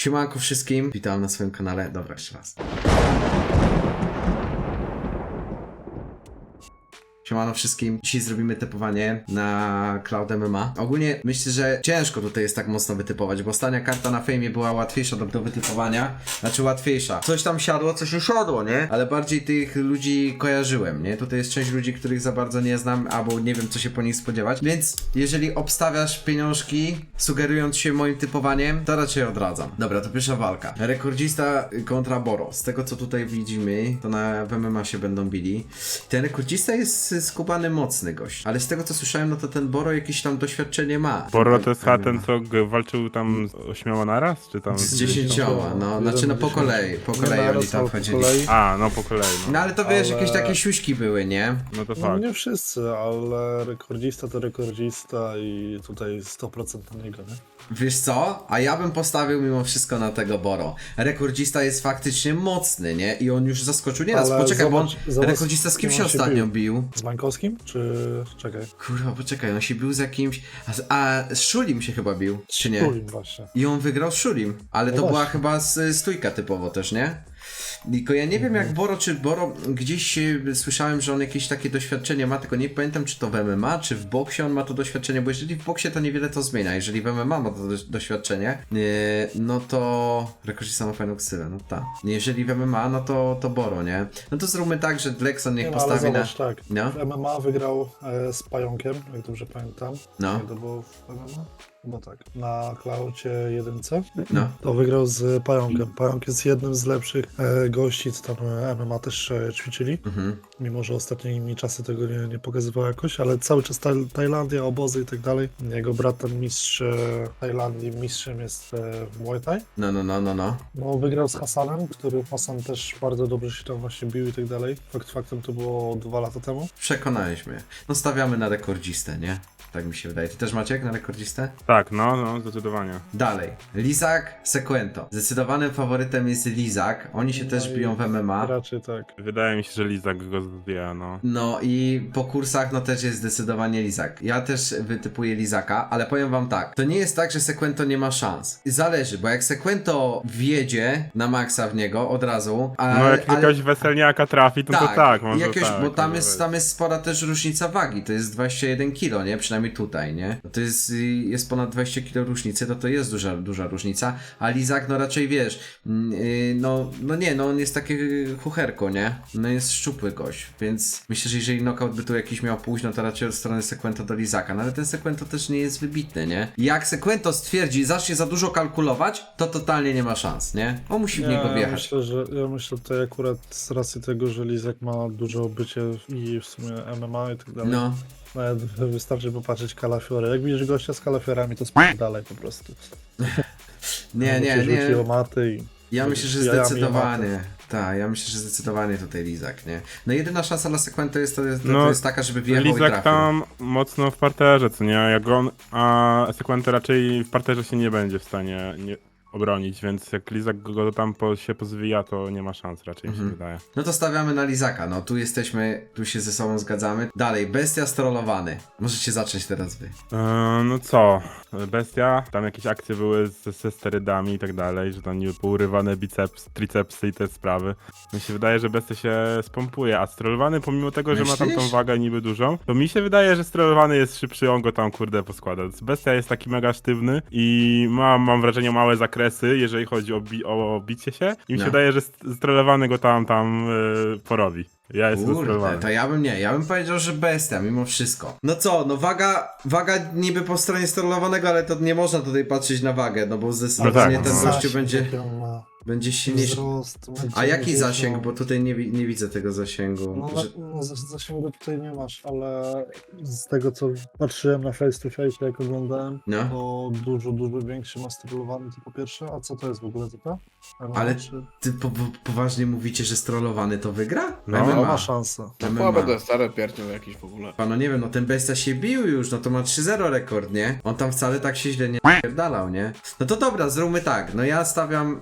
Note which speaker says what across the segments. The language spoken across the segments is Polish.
Speaker 1: Siemanko wszystkim, witam na swoim kanale. Dobra, jeszcze raz. Siemano wszystkim. Dzisiaj zrobimy typowanie na Cloud MMA. Ogólnie myślę, że ciężko tutaj jest tak mocno wytypować, bo ostatnia karta na fejmie była łatwiejsza do wytypowania. Znaczy łatwiejsza. Coś tam siadło, coś nie siadło, nie? Ale bardziej tych ludzi kojarzyłem, nie? Tutaj jest część ludzi, których za bardzo nie znam, albo nie wiem, co się po nich spodziewać. Więc jeżeli obstawiasz pieniążki, sugerując się moim typowaniem, to raczej odradzam. Dobra, to pierwsza walka. Rekordzista kontra Boro. Z tego, co tutaj widzimy, to na MMA się będą bili. Ten rekordzista jest skubany mocny gość, ale z tego co słyszałem, no to ten Boro jakieś tam doświadczenie ma.
Speaker 2: Boro to jest ten, co walczył tam z 8 naraz, czy tam...
Speaker 1: Z 10, no, znaczy no po kolei oni tam chodzili.
Speaker 2: A, no po kolei, no.
Speaker 1: No ale to wiesz,
Speaker 3: Ale-
Speaker 1: jakieś takie siuśki były, nie?
Speaker 2: No to
Speaker 3: No
Speaker 2: fakt.
Speaker 3: nie wszyscy, ale rekordzista to rekordzista i tutaj 100% na niego, nie?
Speaker 1: Wiesz co? A ja bym postawił mimo wszystko na tego Boro. Rekordzista jest faktycznie mocny, nie? I on już zaskoczył nieraz.
Speaker 3: Ale
Speaker 1: Poczekaj,
Speaker 3: zobacz-
Speaker 1: bo
Speaker 3: zobacz,
Speaker 1: rekordzista z kim
Speaker 3: kim
Speaker 1: się
Speaker 3: on się
Speaker 1: ostatnio
Speaker 3: bił.
Speaker 1: bił?
Speaker 3: Z Mańkowskim? Czy... czekaj.
Speaker 1: Kurwa, poczekaj, on się bił z jakimś... A z Szulim się chyba bił, czy nie?
Speaker 3: Tulim właśnie.
Speaker 1: I on wygrał z Szulim, ale
Speaker 3: No
Speaker 1: to była
Speaker 3: właśnie.
Speaker 1: chyba stójka typowo też, nie? Tylko ja nie wiem jak Boro, czy Boro, gdzieś słyszałem, że on jakieś takie doświadczenie ma, tylko nie pamiętam czy to w MMA, czy w boksie on ma to doświadczenie, bo jeżeli w boksie to niewiele to zmienia, jeżeli w MMA ma to doświadczenie, no to rekordzista ma fajną ksywę, no tak. Jeżeli w MMA, no to Boro, nie? No to zróbmy tak, że Lexon niech
Speaker 3: Nie, no, ale
Speaker 1: postawi na...
Speaker 3: zobacz, tak.
Speaker 1: No.
Speaker 3: W MMA wygrał z Pająkiem, jak dobrze pamiętam.
Speaker 1: No.
Speaker 3: Nie, to było w MMA? Chyba tak. Na Klaucie 1.
Speaker 1: No.
Speaker 3: To wygrał z Pająkiem. Pająk jest jednym z lepszych gości, co tam MMA też ćwiczyli.
Speaker 1: Mhm.
Speaker 3: Mimo, że ostatnimi czasy tego nie pokazywał jakoś, ale cały czas Tajlandia, obozy i tak dalej. Jego brat, ten mistrz Tajlandii, mistrzem jest w Muay Thai.
Speaker 1: No.
Speaker 3: Wygrał z Hasanem, który Hasan też bardzo dobrze się tam właśnie bił i tak dalej. Faktem to było 2 lata temu.
Speaker 1: Przekonałeś mnie. No stawiamy na rekordzistę, nie? Tak mi się wydaje. Ty też Maciek na rekordzistę?
Speaker 2: Tak, no, zdecydowanie.
Speaker 1: Dalej. Lizak, Sequento. Zdecydowanym faworytem jest Lizak. Oni się też
Speaker 3: i
Speaker 1: biją w MMA.
Speaker 3: Raczej tak.
Speaker 2: Wydaje mi się, że Lizak go zdjęła, no.
Speaker 1: No i po kursach no też jest zdecydowanie Lizak. Ja też wytypuję Lizaka, ale powiem wam tak. To nie jest tak, że Sequento nie ma szans. Zależy, bo jak Sequento wjedzie na maksa w niego od razu,
Speaker 2: No jak jakiegoś weselniaka trafi, to tak, może
Speaker 1: jakieś,
Speaker 2: tak.
Speaker 1: bo tam
Speaker 2: może
Speaker 1: jest,
Speaker 2: być.
Speaker 1: tam jest spora też różnica wagi, to jest 21 kg, nie? Przynajmniej tutaj, nie? No to jest ponad 20 kg różnicy, to jest duża różnica, a Lizak no raczej wiesz, no on jest takie chucherko, nie? No jest szczupły gość, więc myślę, że jeżeli knockout by tu jakiś miał pójść, no to raczej od strony Sequento do Lizaka, no ale ten Sequento też nie jest wybitny, nie? Jak Sequento stwierdzi, zacznie za dużo kalkulować, to totalnie nie ma szans, nie? On musi w niego
Speaker 3: Ja
Speaker 1: wjechać.
Speaker 3: myślę tutaj akurat z racji tego, że Lizak ma dużo bycie i w sumie MMA i tak dalej.
Speaker 1: No.
Speaker 3: Nawet wystarczy popatrzeć kalafiory. Jak widzisz gościa z kalafiorami, to dalej po prostu.
Speaker 1: Nie.
Speaker 3: Rzuciło maty i...
Speaker 1: Ja myślę, że
Speaker 3: jajami
Speaker 1: zdecydowanie. Tak, ja myślę, że zdecydowanie tutaj Lizak, nie? No jedyna szansa dla Sequento jest, to
Speaker 2: No,
Speaker 1: jest taka, żeby wjechał i
Speaker 2: Lizak
Speaker 1: trafił.
Speaker 2: tam mocno w parterze, co nie? Jak on, a Sequento raczej w parterze się nie będzie w stanie obronić, więc jak Lizak go tam się pozwija, to nie ma szans raczej, mi się wydaje.
Speaker 1: No to stawiamy na Lizaka, no tu jesteśmy, tu się ze sobą zgadzamy. Dalej, Bestia strollowany. Możecie zacząć teraz wy.
Speaker 2: No co? Bestia, tam jakieś akcje były ze sterydami i tak dalej, że tam niby pourywane biceps, tricepsy i te sprawy. Mi się wydaje, że Bestia się spompuje, a strollowany pomimo tego, że ma tam tą
Speaker 1: Myślisz?
Speaker 2: wagę niby dużą, to mi się wydaje, że strollowany jest szybszy, on go tam kurde poskłada. Bestia jest taki mega sztywny i mam wrażenie małe zakresy, jeżeli chodzi o bicie się i mi się
Speaker 1: No.
Speaker 2: wydaje, że strollowany go tam porobi. Ja jestem
Speaker 1: Kurde,
Speaker 2: strollowany.
Speaker 1: to ja bym powiedział, że Bestia, mimo wszystko. No co, no waga niby po stronie strollowanego, ale to nie można tutaj patrzeć na wagę, no bo zdecydowanie
Speaker 2: No tak,
Speaker 1: ten
Speaker 2: no.
Speaker 1: gościu
Speaker 3: Zasięg, jaki on ma.
Speaker 1: będzie silniejszy.
Speaker 3: Wzrost,
Speaker 1: A jaki
Speaker 3: dużo.
Speaker 1: zasięg? Bo tutaj nie widzę tego zasięgu.
Speaker 3: No, zasięgu tutaj nie masz, ale z tego co patrzyłem na face to face, jak oglądałem,
Speaker 1: No.
Speaker 3: to dużo większy ma strolowany, to po pierwsze. A co to jest w ogóle typa?
Speaker 1: Ale
Speaker 3: Czy...
Speaker 1: ty poważnie mówicie, że strollowany to wygra?
Speaker 2: No,
Speaker 3: No,
Speaker 1: MMA.
Speaker 3: ma szansę.
Speaker 1: MMA.
Speaker 4: Słabe to jest stare pierdol jakiś w ogóle.
Speaker 1: Pano nie wiem, no ten Bestia się bił już, no to ma 3-0 rekord, nie? On tam wcale tak się źle nie pierdalał, nie? No to dobra, zróbmy tak, no ja stawiam kupon, to ja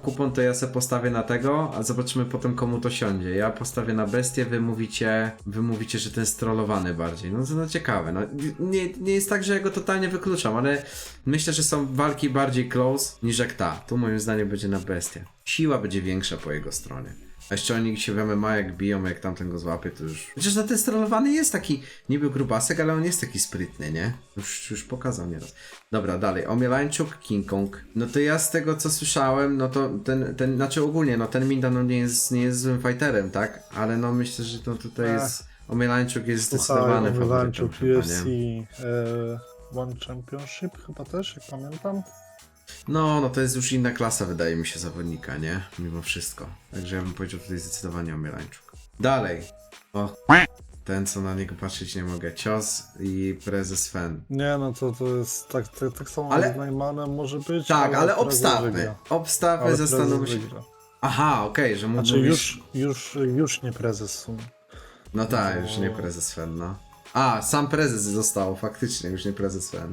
Speaker 1: ja se postawię na tego, a zobaczymy potem komu to siądzie. Ja postawię na bestię, wy mówicie, że ten strollowany bardziej. No to no, ciekawe. No, nie jest tak, że ja go totalnie wykluczam, ale myślę, że są walki bardziej close niż jak ta. Tu moim zdaniem będzie na bestię. Siła będzie większa po jego stronie. A jeszcze oni się w MMA jak biją, jak tamten go złapie, to już... Chociaż no ten strollowany jest taki niby grubasek, ale on jest taki sprytny, nie? Już pokazał nieraz. Dobra, dalej. Omielańczuk, King Kong. No to ja z tego co słyszałem, no to ten znaczy ogólnie, no ten Minda no nie jest złym fighterem, tak? Ale no myślę, że to tutaj jest... Omielańczuk jest zdecydowany faworytem chyba,
Speaker 3: UFC
Speaker 1: nie?
Speaker 3: One Championship chyba też, jak pamiętam.
Speaker 1: No to jest już inna klasa, wydaje mi się, zawodnika, nie? Mimo wszystko. Także ja bym powiedział tutaj zdecydowanie Omielańczuk. Dalej. O, ten co na niego patrzeć nie mogę. Cios i prezes Fen.
Speaker 3: Nie, no to jest tak samo
Speaker 1: Ale-
Speaker 3: z Neymanem może być.
Speaker 1: Tak, ale
Speaker 3: prezes
Speaker 1: obstawmy.
Speaker 3: wygra.
Speaker 1: Obstawmy,
Speaker 3: Ale
Speaker 1: zastanówmy
Speaker 3: prezes
Speaker 1: się.
Speaker 3: wygra.
Speaker 1: Aha, okej, że
Speaker 3: Znaczy
Speaker 1: mówisz...
Speaker 3: już nie prezes w sumie.
Speaker 1: No tak, już nie prezes Fen, no. A, sam prezes został, faktycznie, już nie prezes Fen.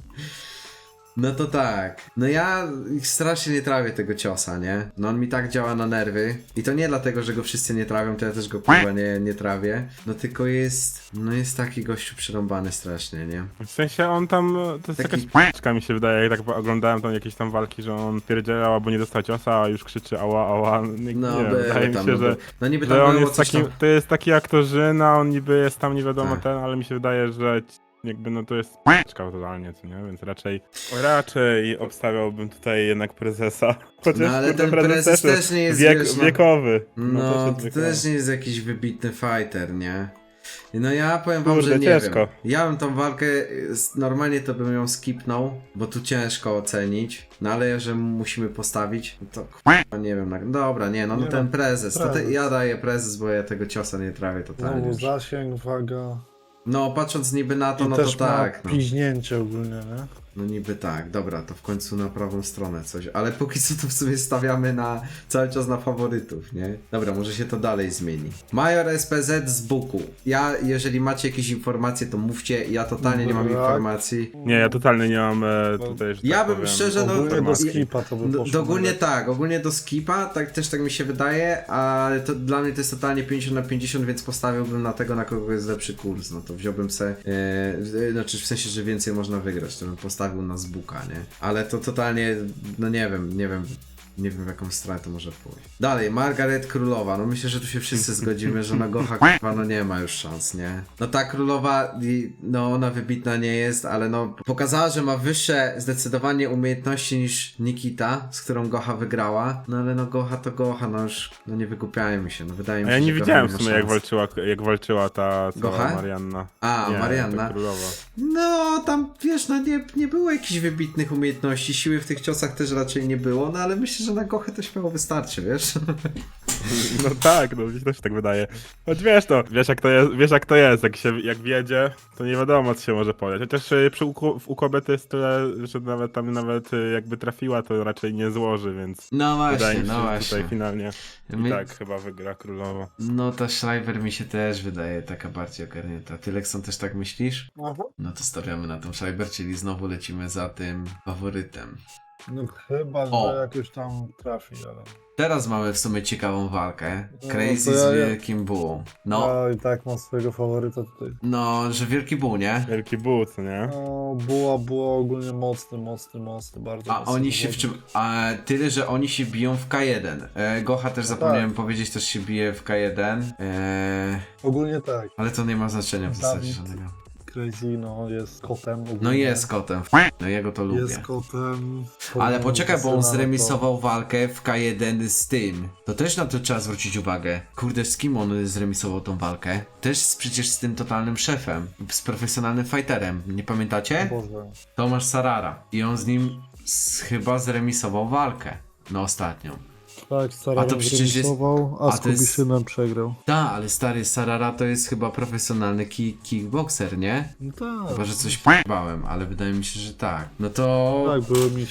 Speaker 1: No to tak. No ja strasznie nie trawię tego ciosa, nie? No on mi tak działa na nerwy. I to nie dlatego, że go wszyscy nie trawią, to ja też go kurwa nie trawię. No tylko jest... No jest taki gościu przerąbany strasznie, nie?
Speaker 2: W sensie on tam, to jest
Speaker 1: Taki-
Speaker 2: jakaś p***czka mi się wydaje, jak tak oglądałem tam jakieś tam walki, że on pierdzielał albo nie dostał ciosa, a już krzyczy ała, nie,
Speaker 1: No
Speaker 2: nie, wydaje mi
Speaker 1: tam,
Speaker 2: się, że...
Speaker 1: no niby tam
Speaker 2: Że on
Speaker 1: było
Speaker 2: jest
Speaker 1: coś
Speaker 2: takim,
Speaker 1: tam...
Speaker 2: to jest taki aktorzyna, on niby jest tam nie wiadomo
Speaker 1: Tak.
Speaker 2: ten, ale mi się wydaje, że jakby no to jest p***czka totalnie, co nie? Więc raczej obstawiałbym tutaj jednak prezesa. Chociaż
Speaker 1: No ale
Speaker 2: kurde,
Speaker 1: ten prezes też nie jest, wiesz, no-
Speaker 2: wiekowy.
Speaker 1: No,
Speaker 2: jest
Speaker 1: to
Speaker 2: wiekowy.
Speaker 1: też nie jest jakiś wybitny fighter, nie? No ja powiem wam,
Speaker 2: Kurde,
Speaker 1: że nie
Speaker 2: ciężko.
Speaker 1: wiem. Ja bym tą walkę, normalnie to bym ją skipnął, bo tu ciężko ocenić, no ale że musimy postawić, no to k***a, nie wiem, dobra, nie, no
Speaker 3: Nie
Speaker 1: ten
Speaker 3: no,
Speaker 1: prezes, to
Speaker 3: prezes.
Speaker 1: ja daję prezes, bo ja tego ciosa nie trawię totalnie
Speaker 3: Znowu
Speaker 1: już.
Speaker 3: zasięg, waga.
Speaker 1: No patrząc niby na to,
Speaker 3: I
Speaker 1: no to
Speaker 3: też
Speaker 1: tak,
Speaker 3: ma
Speaker 1: no.
Speaker 3: piźnięcie ogólnie, nie?
Speaker 1: No niby tak, dobra, to w końcu na prawą stronę coś, ale póki co to w sumie stawiamy na cały czas na faworytów, nie? Dobra, może się to dalej zmieni. Major SPZ z Buku. Jeżeli macie jakieś informacje, to mówcie, ja totalnie nie mam
Speaker 3: Brak.
Speaker 1: informacji.
Speaker 2: Nie, ja totalnie nie mam tutaj, że
Speaker 1: Ja
Speaker 2: tak
Speaker 1: bym
Speaker 2: powiem,
Speaker 1: szczerze, no,
Speaker 3: Ogólnie do
Speaker 2: informacji.
Speaker 3: skipa to by poszło.
Speaker 1: Ogólnie
Speaker 3: nawet.
Speaker 1: tak, ogólnie do skipa, tak też tak mi się wydaje, ale to dla mnie to jest totalnie 50/50, więc postawiłbym na tego, na kogo jest lepszy kurs, no to wziąłbym se, znaczy w sensie, że więcej można wygrać, to bym postawił na Zbuka, nie? Ale to totalnie, no nie wiem w jaką stronę to może pójść. Dalej, Margaret Królowa, no myślę, że tu się wszyscy zgodzimy, że na Gocha k***a, no nie ma już szans, nie? No ta Królowa, no ona wybitna nie jest, ale no pokazała, że ma wyższe zdecydowanie umiejętności niż Nikita, z którą Gocha wygrała, no ale no Gocha to Gocha, no już, no nie wygłupiajmy się, no wydaje mi
Speaker 2: A
Speaker 1: się,
Speaker 2: ja nie
Speaker 1: że Gocha
Speaker 2: widziałem
Speaker 1: ma
Speaker 2: w sumie
Speaker 1: szans.
Speaker 2: jak walczyła ta cała
Speaker 1: Gocha?
Speaker 2: Marianna.
Speaker 1: A,
Speaker 2: Nie,
Speaker 1: Marianna.
Speaker 2: ta królowa.
Speaker 1: No, tam wiesz, no nie było jakichś wybitnych umiejętności, siły w tych ciosach też raczej nie było, no ale myślę, że na Gochę to śmiało wystarczy, wiesz?
Speaker 2: No tak, no mi się też tak wydaje. Choć wiesz to, wiesz jak to jest, jak wiedzie, to nie wiadomo co się może podać. Chociaż u kobiety jest tyle, że nawet jakby trafiła, to raczej nie złoży, więc
Speaker 1: No
Speaker 2: wydaje
Speaker 1: właśnie,
Speaker 2: mi się,
Speaker 1: no
Speaker 2: że
Speaker 1: właśnie.
Speaker 2: tutaj finalnie
Speaker 1: My-
Speaker 2: i tak chyba wygra królowa.
Speaker 1: No ta Schreiber mi się też wydaje taka bardziej ogarnięta. Ty, Lekson, też tak myślisz?
Speaker 3: Aha.
Speaker 1: No to stawiamy na tą Schreiber, czyli znowu lecimy za tym faworytem.
Speaker 3: No chyba,
Speaker 1: O.
Speaker 3: że jakoś tam trafi, ale...
Speaker 1: Teraz mamy w sumie ciekawą walkę.
Speaker 3: No,
Speaker 1: Crazy
Speaker 3: to
Speaker 1: z
Speaker 3: ja-
Speaker 1: Wielkim Bull. No,
Speaker 3: Ja i tak mam swojego faworyta tutaj.
Speaker 1: no, że Wielki Bull, nie?
Speaker 2: Wielki but, nie?
Speaker 3: No, była ogólnie mocny, bardzo
Speaker 1: A
Speaker 3: mocny
Speaker 1: oni się w
Speaker 3: zawodnik.
Speaker 1: czym... A tyle, że oni się biją w K1. Gocha też zapomniałem
Speaker 3: tak.
Speaker 1: powiedzieć, też się bije w K1.
Speaker 3: Ogólnie tak.
Speaker 1: Ale to nie ma znaczenia w zasadzie
Speaker 3: Dawid.
Speaker 1: żadnego.
Speaker 3: Crazy, no, jest kotem ogólnie.
Speaker 1: No jest kotem. No jego to lubię.
Speaker 3: Jest kotem.
Speaker 1: Ale poczekaj, bo on
Speaker 3: Kasyna, no to-
Speaker 1: zremisował walkę w K1 z tym. To też na to trzeba zwrócić uwagę. Kurde, z kim on zremisował tą walkę? Też przecież z tym totalnym szefem. Z profesjonalnym fighterem. Nie pamiętacie?
Speaker 3: Boże.
Speaker 1: Tomasz Sarara. I on z nim chyba zremisował walkę. No ostatnią.
Speaker 3: Tak, Sarara
Speaker 1: A to przecież jest-
Speaker 3: zremisował,
Speaker 1: a
Speaker 3: a z
Speaker 1: to jest-
Speaker 3: Kubiszynem przegrał.
Speaker 1: Ta, ale stary Sarara to jest chyba profesjonalny kickboxer, nie?
Speaker 3: No tak.
Speaker 1: Chyba, że coś p***bałem, ale wydaje mi się, że tak. No to...
Speaker 3: Tak, były mistrz.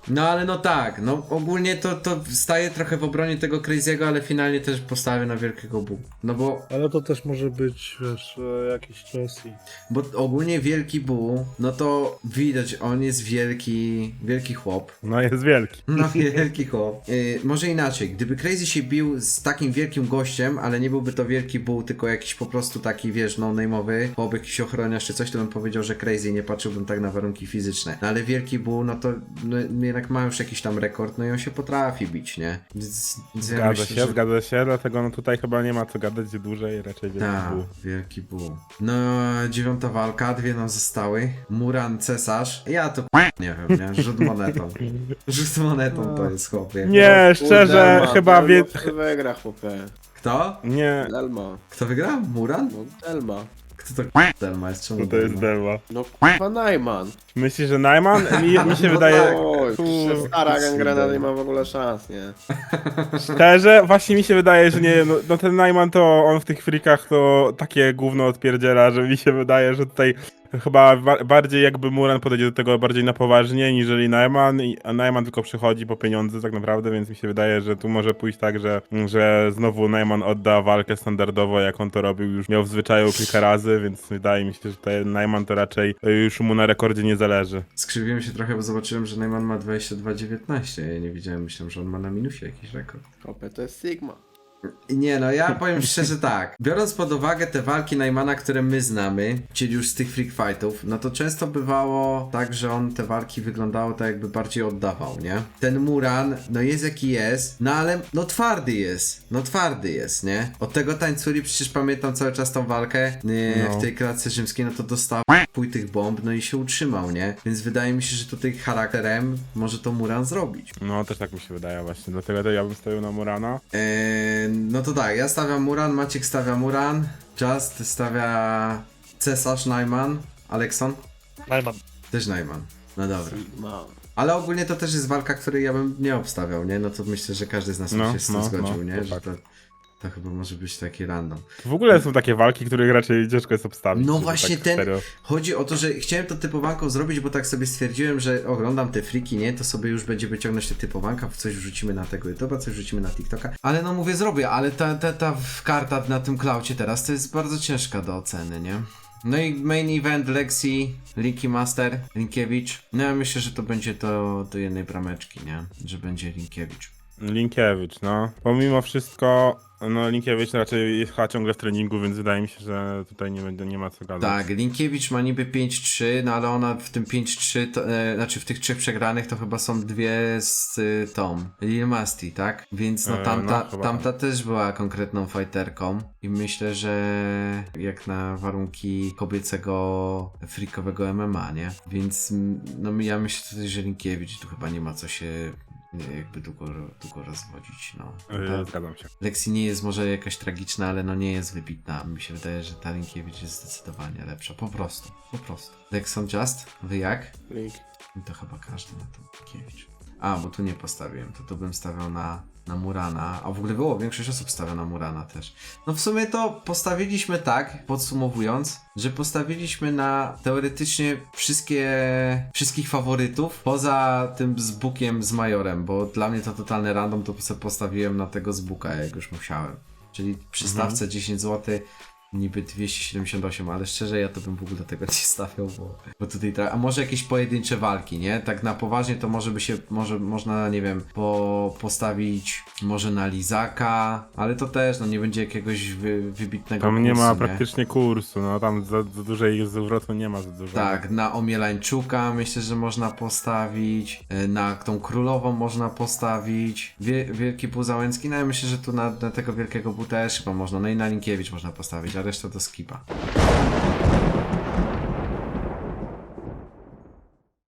Speaker 1: No ale no tak, no ogólnie to staje trochę w obronie tego Crazy'ego, ale finalnie też postawię na Wielkiego Bu. No
Speaker 3: Ale to też może być, wiesz, jakiś czas i...
Speaker 1: bo ogólnie Wielki Bu, no to widać, on jest wielki chłop.
Speaker 2: No jest wielki.
Speaker 1: No wielki chłop. Może inaczej, gdyby Crazy się bił z takim wielkim gościem, ale nie byłby to Wielki Bu, tylko jakiś po prostu taki, wiesz, no-name'owy chłop, jakiś ochroniarz czy coś, to bym powiedział, że Crazy, nie patrzyłbym tak na warunki fizyczne. No ale Wielki Bu, no to no, jednak ma już jakiś tam rekord, no i on się potrafi bić, nie? Więc ja
Speaker 2: Zgadza
Speaker 1: myślę,
Speaker 2: się,
Speaker 1: że...
Speaker 2: zgadza się, dlatego no tutaj chyba nie ma co gadać dłużej, raczej Wielki
Speaker 1: Tak,
Speaker 2: Bu.
Speaker 1: Wielki Bu. No, 9. walka, 2 nam zostały. Muran, Cesarz. Ja to nie wiem, nie? Rzut monetą. Rzut monetą to jest chłopie.
Speaker 2: Nie, szczerze,
Speaker 4: Delma,
Speaker 2: chyba
Speaker 4: wygra, chłopie.
Speaker 1: Kto?
Speaker 2: Nie,
Speaker 4: Delma.
Speaker 1: Kto wygra? Muran?
Speaker 4: No Delma.
Speaker 1: Kto to Delma jest? Czemu
Speaker 2: no to jest
Speaker 1: Delma?
Speaker 2: Delma.
Speaker 4: No kurwa Najman.
Speaker 2: Myślisz, że Najman? Mi się
Speaker 1: No
Speaker 2: wydaje...
Speaker 1: tak.
Speaker 4: Oj,
Speaker 2: Kur-
Speaker 4: stara gangrena nie ma w ogóle szans, nie?
Speaker 2: Szczerze, właśnie mi się wydaje, że nie, no ten Najman to on w tych frikach to takie gówno odpierdziela, że mi się wydaje, że tutaj chyba bardziej jakby Muran podejdzie do tego bardziej na poważnie, niżeli Najman, a Najman tylko przychodzi po pieniądze tak naprawdę, więc mi się wydaje, że tu może pójść tak, że znowu Najman odda walkę standardowo, jak on to robił, już miał w zwyczaju kilka razy, więc wydaje mi się, że tutaj Najman to raczej już mu na rekordzie nie zależy.
Speaker 1: Skrzywiłem się trochę, bo zobaczyłem, że Neyman ma 22,19. Ja nie widziałem, myślałem, że on ma na minusie jakiś rekord.
Speaker 4: Chłopie, to jest Sigma.
Speaker 1: I nie no, ja powiem szczerze tak. Biorąc pod uwagę te walki Neymana, które my znamy, czyli już z tych freak fightów, no to często bywało tak, że on te walki wyglądało tak jakby bardziej oddawał, nie? Ten Muran, no jest jaki jest, no ale no twardy jest, nie? Od tego tańculi przecież pamiętam cały czas tą walkę
Speaker 2: No.
Speaker 1: w tej klatce rzymskiej, no to dostał pój tych bomb, no i się utrzymał, nie? Więc wydaje mi się, że tutaj charakterem może to Muran zrobić.
Speaker 2: No też tak mi się wydaje właśnie, dlatego to ja bym stawił na Murana.
Speaker 1: No to tak, ja stawiam Muran, Maciek stawia Muran, Just stawia Cesarz, Najman, Alekson
Speaker 3: Najman.
Speaker 1: też Najman. No dobra.
Speaker 4: Sigma.
Speaker 1: Ale ogólnie to też jest walka, której ja bym nie obstawiał, nie? No to myślę, że każdy z nas
Speaker 2: No,
Speaker 1: by się z tym
Speaker 2: no,
Speaker 1: zgodził,
Speaker 2: no,
Speaker 1: nie?
Speaker 2: to
Speaker 1: Że
Speaker 2: tak.
Speaker 1: to chyba może być taki random.
Speaker 2: W ogóle są takie walki, których raczej ciężko jest obstawić.
Speaker 1: No
Speaker 2: żeby
Speaker 1: właśnie
Speaker 2: tak
Speaker 1: ten,
Speaker 2: serio.
Speaker 1: chodzi o to, że chciałem to typowanką zrobić, bo tak sobie stwierdziłem, że oglądam te friki, nie? To sobie już będzie wyciągnąć te typowanka, coś wrzucimy na tego YouTube'a, coś wrzucimy na TikToka. Ale no mówię, zrobię, ale ta karta na tym klaucie teraz to jest bardzo ciężka do oceny, nie? No i main event Lexi, Linki Master, Linkiewicz. No ja myślę, że to będzie to do jednej brameczki, nie? Że będzie Linkiewicz.
Speaker 2: Linkiewicz, no. Pomimo wszystko, no Linkiewicz raczej jest chyba ciągle w treningu, więc wydaje mi się, że tutaj nie ma co gadać.
Speaker 1: Tak, Linkiewicz ma niby 5-3, no ale ona w tym 5-3, znaczy w tych 3 przegranych to chyba są 2 z tą Lil Masti, tak? Więc no
Speaker 2: no, chyba.
Speaker 1: tamta też była konkretną fighterką i myślę, że jak na warunki kobiecego freakowego MMA, nie? Więc no ja myślę tutaj, że Linkiewicz tu chyba nie ma co się jakby długo rozwodzić, no.
Speaker 2: Zgadzam się.
Speaker 1: Lexi nie jest może jakaś tragiczna, ale no nie jest wybitna. Mi się wydaje, że ta Linkiewicz jest zdecydowanie lepsza. Po prostu. Lexon Just? Wy jak?
Speaker 4: Link.
Speaker 1: To chyba każdy na to Linkiewicz. A, bo tu nie postawiłem. To bym stawiał na Murana. A w ogóle było, większość osób stawia na Murana też. No w sumie to postawiliśmy tak, podsumowując, że postawiliśmy na teoretycznie wszystkich faworytów, poza tym z Bukiem z Majorem, bo dla mnie to totalny random, to sobie postawiłem na tego z Buka, jak już musiałem. Czyli przy stawce 10 zł, niby 278, ale szczerze ja to bym w ogóle tego nie stawiał, bo tutaj a może jakieś pojedyncze walki, nie? Tak na poważnie to można, nie wiem, postawić może na Lizaka, ale to też, no nie będzie jakiegoś wybitnego
Speaker 2: Tam nie
Speaker 1: kursu,
Speaker 2: ma praktycznie kursu, no tam za dużej zwrotu nie ma za dużo.
Speaker 1: Tak, na Omielańczuka myślę, że można postawić, na tą królową można postawić, Wielki Pół Załęcki, no ja myślę, że tu na tego Wielkiego Pół też chyba można, no i na Linkiewicz można postawić, a reszta to skipa.